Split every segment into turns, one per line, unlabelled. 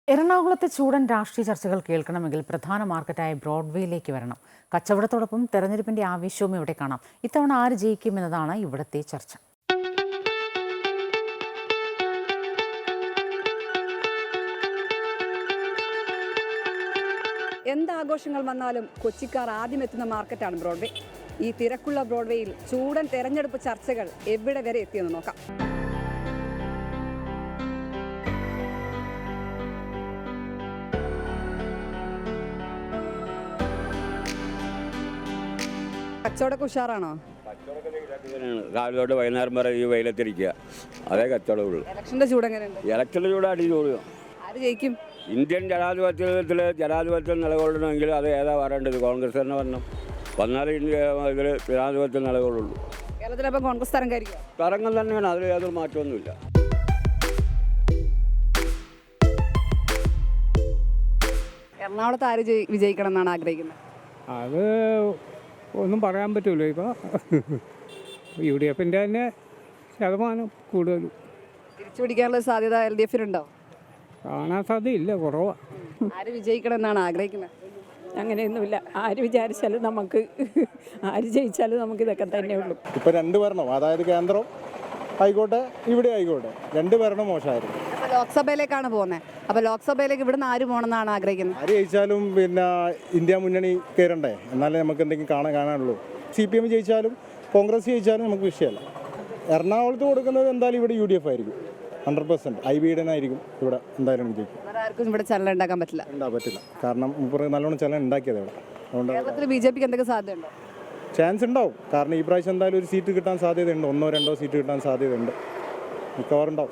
എറണാകുളത്തെ ചൂടൻ രാഷ്ട്രീയ ചർച്ചകൾ കേൾക്കണമെങ്കിൽ പ്രധാന മാർക്കറ്റായ ബ്രോഡ്വേയിലേക്ക് വരണം. കച്ചവടത്തോടൊപ്പം തെരഞ്ഞെടുപ്പിന്റെ ആവേശവും ഇവിടെ കാണാം. ഇത്തവണ ആര് ജയിക്കുമെന്നതാണ് ഇവിടുത്തെ ചർച്ച.
എന്താഘോഷങ്ങൾ വന്നാലും കൊച്ചിക്കാർ ആദ്യം എത്തുന്ന മാർക്കറ്റാണ് ബ്രോഡ്വേ. ഈ തിരക്കുള്ള ബ്രോഡ്വേയിൽ ചൂടൻ തെരഞ്ഞെടുപ്പ് ചർച്ചകൾ എവിടെ വരെ എത്തിയെന്ന് നോക്കാം. കച്ചവടമൊക്കെ ഉഷാറാണോ?
രാവിലെ തൊട്ട് വൈകുന്നേരം വരെ ഈ വെയിലത്തിരിക്കുക, അതേ കച്ചവടമുള്ളൂ.
ഇലക്ഷന്റെ ചൂട് എങ്ങനെയുണ്ട്?
ഇലക്ഷന്റെ ചൂട് അടിപൊളി.
ആര് ജയിക്കും?
ഇന്ത്യൻ ജനാധിപത്യം നിലകൊള്ളണമെങ്കിൽ അത് ഏതാ വരേണ്ടത്? കോൺഗ്രസ് തന്നെ വന്നാലേ ഇന്ത്യ ഇതിൽ ജനാധിപത്യം നിലകൊള്ളുള്ളൂ.
കേരളത്തിലപ്പം കോൺഗ്രസ് തരംഗമായിരിക്കും.
തരംഗം തന്നെയാണ്, അതിൽ യാതൊരു മാറ്റമൊന്നുമില്ല.
എറണാകുളത്ത് ആര് വിജയിക്കണം എന്നാണ് ആഗ്രഹിക്കുന്നത്?
അത് ഒന്നും പറയാൻ പറ്റുമല്ലോ. ഇപ്പോൾ UDF തന്നെ ശതമാനം കൂടുതലും
തിരിച്ചുപിടിക്കാനുള്ള സാധ്യത LDF-നുണ്ടോ?
കാണാൻ സാധ്യതയില്ല, കുറവാണ്.
ആര് വിജയിക്കണം എന്നാണ് ആഗ്രഹിക്കുന്നത്?
അങ്ങനെയൊന്നുമില്ല. ആര് വിചാരിച്ചാലും നമുക്ക്, ആര് ജയിച്ചാലും നമുക്ക് ഇതൊക്കെ തന്നെ ഉള്ളൂ.
ഇപ്പോൾ രണ്ട് ഭരണം, അതായത് കേന്ദ്രം ആയിക്കോട്ടെ ഇവിടെ ആയിക്കോട്ടെ, രണ്ട് ഭരണം മോശമായിരുന്നു.
അപ്പോൾ ലോക്സഭയിലേക്കാണ് പോകുന്നത്. അപ്പോൾ ലോക്സഭയിലേക്ക് ഇവിടുന്ന് ആര് പോകണമെന്നാണ് ആഗ്രഹിക്കുന്നത്?
ആര് ജയിച്ചാലും പിന്നെ ഇന്ത്യ മുന്നണി കയറണ്ടേ, എന്നാലേ നമുക്ക് എന്തെങ്കിലും കാണാനുള്ളൂ. CPM ജയിച്ചാലും കോൺഗ്രസ് ജയിച്ചാലും നമുക്ക് വിഷയമല്ല. എറണാകുളത്ത് കൊടുക്കുന്നത് എന്തായാലും ഇവിടെ UDF ആയിരിക്കും 100%. IBയുടെ ഇവിടെ എന്തായാലും ജയിക്കും.
ആർക്കും ഇവിടെ ചലനം ഉണ്ടാക്കാൻ പറ്റില്ല.
പറ്റില്ല, കാരണം നല്ലോണം ചലനം ഉണ്ടാക്കിയത് ഇവിടെ. അതുകൊണ്ട്
കേരളത്തിൽ BJPക്ക് എന്തൊക്കെ സാധ്യതയുണ്ടോ?
ചാൻസ് ഉണ്ടാവും. കാരണം ഈ പ്രാവശ്യം എന്തായാലും ഒരു സീറ്റ് കിട്ടാൻ സാധ്യതയുണ്ട്, 1-2 സീറ്റ് കിട്ടാൻ സാധ്യതയുണ്ട്, മിക്കവാറും ഉണ്ടാവും.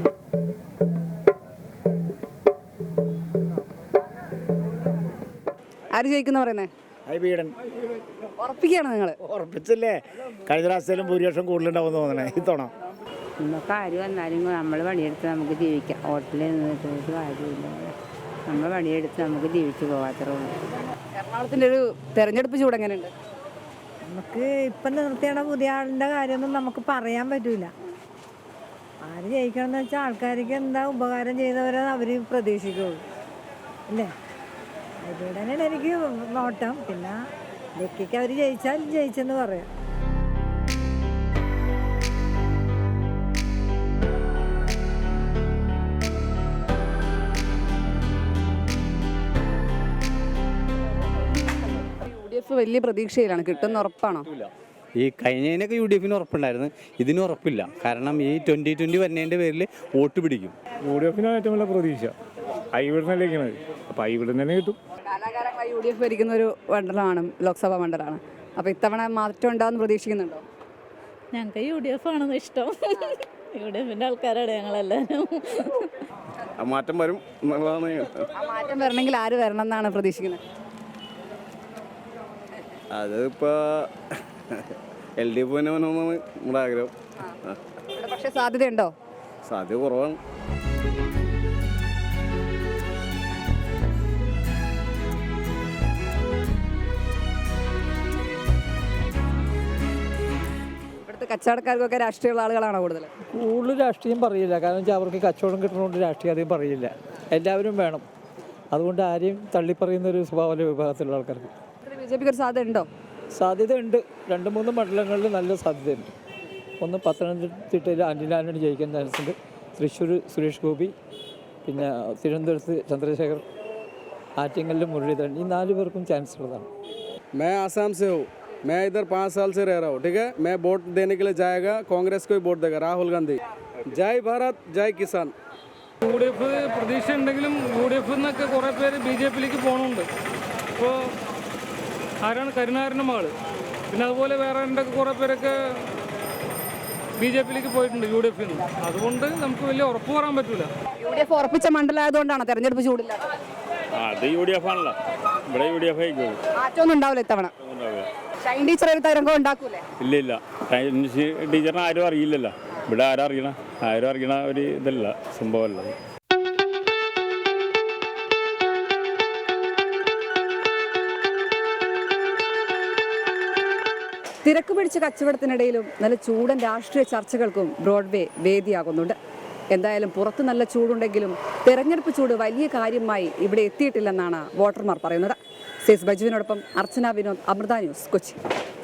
ആര് ജയിക്കുന്ന പറയുന്നത്?
IBയുടെ
ഉറപ്പിക്കുകയാണ് നിങ്ങൾ?
ഉറപ്പിച്ചില്ലേ? കഴിഞ്ഞ പ്രാവശ്യത്തിലും ഭൂരിപക്ഷം കൂടുതലുണ്ടാവും തോന്നണേ ഇത്തവണ.
നമുക്ക് ആര് വന്നാലും നമ്മൾ പണിയെടുത്ത് നമുക്ക് ജീവിക്കാം. ഹോട്ടലിൽ നിന്നിട്ട് കാര്യമില്ല. നമ്മൾ പണിയെടുത്ത് നമുക്ക് ജീവിച്ചു പോകാത്രേ ഉള്ളൂ.
എറണാകുളത്തിൻ്റെ ഒരു തെരഞ്ഞെടുപ്പ് ചൂട് എങ്ങനെയുണ്ട്?
നമുക്ക് ഇപ്പം നിർത്തിയുടെ പുതിയ ആളിൻ്റെ കാര്യമൊന്നും നമുക്ക് പറയാൻ പറ്റില്ല. ആര് ജയിക്കണമെന്ന് വെച്ചാൽ ആൾക്കാർക്ക് എന്താ ഉപകാരം ചെയ്തവരെ അവർ പ്രതീക്ഷിക്കുള്ളൂ അല്ലേ. അതിലൂടെ തന്നെയാണ് എനിക്ക് നോട്ടം. പിന്നെ ലക്കിക്ക് അവർ ജയിച്ചാൽ ജയിച്ചെന്ന് പറയാം.
UDF വലിയ പ്രതീക്ഷയിലാണ്, കിട്ടുന്ന ഉറപ്പാണോ?
ഈ കഴിഞ്ഞതിനൊക്കെ UDF-ന് ഉറപ്പുണ്ടായിരുന്നു, ഇതിന് ഉറപ്പില്ല. കാരണം ഈ 2020 വരുന്നതിൻ്റെ പേരിൽ വോട്ട് പിടിക്കും.
UDF-നാണ് ഏറ്റവും വലിയ പ്രതീക്ഷ. ഇവിടെ അപ്പോൾ ഇവിടെ തന്നെ കിട്ടും.
കാലാകാലങ്ങളായി UDF ഭരിക്കുന്ന ഒരു മണ്ഡലമാണ്, ലോക്സഭാ മണ്ഡലമാണ്. അപ്പോൾ ഇത്തവണ മാറ്റം ഉണ്ടാകുമെന്ന് പ്രതീക്ഷിക്കുന്നുണ്ടോ?
ഞങ്ങൾക്ക് UDF ആണെന്ന് ഇഷ്ടം. UDF-ന്റെ ആൾക്കാരാണ് ഞങ്ങളെല്ലാവരും.
മാറ്റം വരും എന്നുള്ളതാണ്.
ആ മാറ്റം വരണമെങ്കിൽ ആര് വരണം എന്നാണ് പ്രതീക്ഷിക്കുന്നത്?
അതിപ്പോൾ LDF തന്നെ വരണമെന്നാണ് നമ്മുടെ ആഗ്രഹം.
പക്ഷേ സാധ്യതയുണ്ടോ?
സാധ്യത കുറവാണ്.
ഇവിടുത്തെ കച്ചവടക്കാർക്കൊക്കെ രാഷ്ട്രീയമുള്ള ആളുകളാണോ കൂടുതൽ?
കൂടുതൽ രാഷ്ട്രീയം പറയില്ല. കാരണം വെച്ചാൽ അവർക്ക് കച്ചവടം കിട്ടുന്നതുകൊണ്ട് രാഷ്ട്രീയം അധികം പറയില്ല. എല്ലാവരും വേണം. അതുകൊണ്ട് ആരെയും തള്ളിപ്പറയുന്നൊരു സ്വഭാവ വിഭാഗത്തിലുള്ള ആൾക്കാർക്ക്.
BJPക്ക് ഒരു സാധ്യത ഉണ്ടോ?
സാധ്യതയുണ്ട്. 2-3 മണ്ഡലങ്ങളിൽ നല്ല സാധ്യതയുണ്ട്. ഒന്ന് പത്തനംതിട്ടയിൽ ആന്റണി ആന്റണി ജയിക്കാൻ ചാൻസുണ്ട്. തൃശ്ശൂർ സുരേഷ് ഗോപി, പിന്നെ തിരുവനന്തപുരത്ത് ചന്ദ്രശേഖർ, ആറ്റിങ്ങലിൽ മുരളീധരൻ, ഈ 4 പേർക്കും ചാൻസ് ഉള്ളതാണ്.
मैं आसाम से हूँ. मैं इधर 5 साल से रह रहा हूँ. ठीक है, मैं वोट देने के लिए जाएगा, कांग्रेस को ही वोट देगा, राहुल गांधी. जय भारत, जय किसान.
UDF പ്രതീക്ഷ ഉണ്ടെങ്കിലും UDF-ന്നൊക്കെ കുറേ പേര് BJP-യിലേക്ക് പോകുന്നുണ്ട്. ഇപ്പോൾ ആരാണ്? കരുണാകരൻ്റെ മകള്. പിന്നെ അതുപോലെ വേറെ കുറേ പേരൊക്കെ BJP-യിലേക്ക് പോയിട്ടുണ്ട് UDF-ന്ന്. അതുകൊണ്ട് നമുക്ക് വലിയ ഉറപ്പ് പറയാൻ പറ്റില്ല.
UDF ഉറപ്പിച്ച മണ്ഡലമായതുകൊണ്ടാണ് തെരഞ്ഞെടുപ്പ് ചൂടില്ലാത്തത്.
അത് UDF ആണല്ലോ, ഇവിടെ UDF ആയിരിക്കും.
മാറ്റമൊന്നും ഉണ്ടാവില്ല ഇത്തവണ. ഷൈൻ ടീച്ചർ ഒരു തരംഗം ഉണ്ടാക്കൂലേ?
ഇല്ല, ടീച്ചറിനെ ആരും അറിയില്ലല്ലോ. ഇവിടെ ആരും അറിയണ ഒരു ഇതല്ല, സംഭവമല്ല.
തിരക്ക് പിടിച്ച കച്ചവടത്തിനിടയിലും നല്ല ചൂടൻ രാഷ്ട്രീയ ചർച്ചകൾക്കും ബ്രോഡ്വേ വേദിയാകുന്നുണ്ട്. എന്തായാലും പുറത്ത് നല്ല ചൂടുണ്ടെങ്കിലും തെരഞ്ഞെടുപ്പ് ചൂട് വലിയ കാര്യമായി ഇവിടെ എത്തിയിട്ടില്ലെന്നാണ് വോട്ടർമാർ പറയുന്നത്. ബൈജുവിനോടൊപ്പം അർച്ചന വിനോദ്, അമൃത ന്യൂസ്, കൊച്ചി.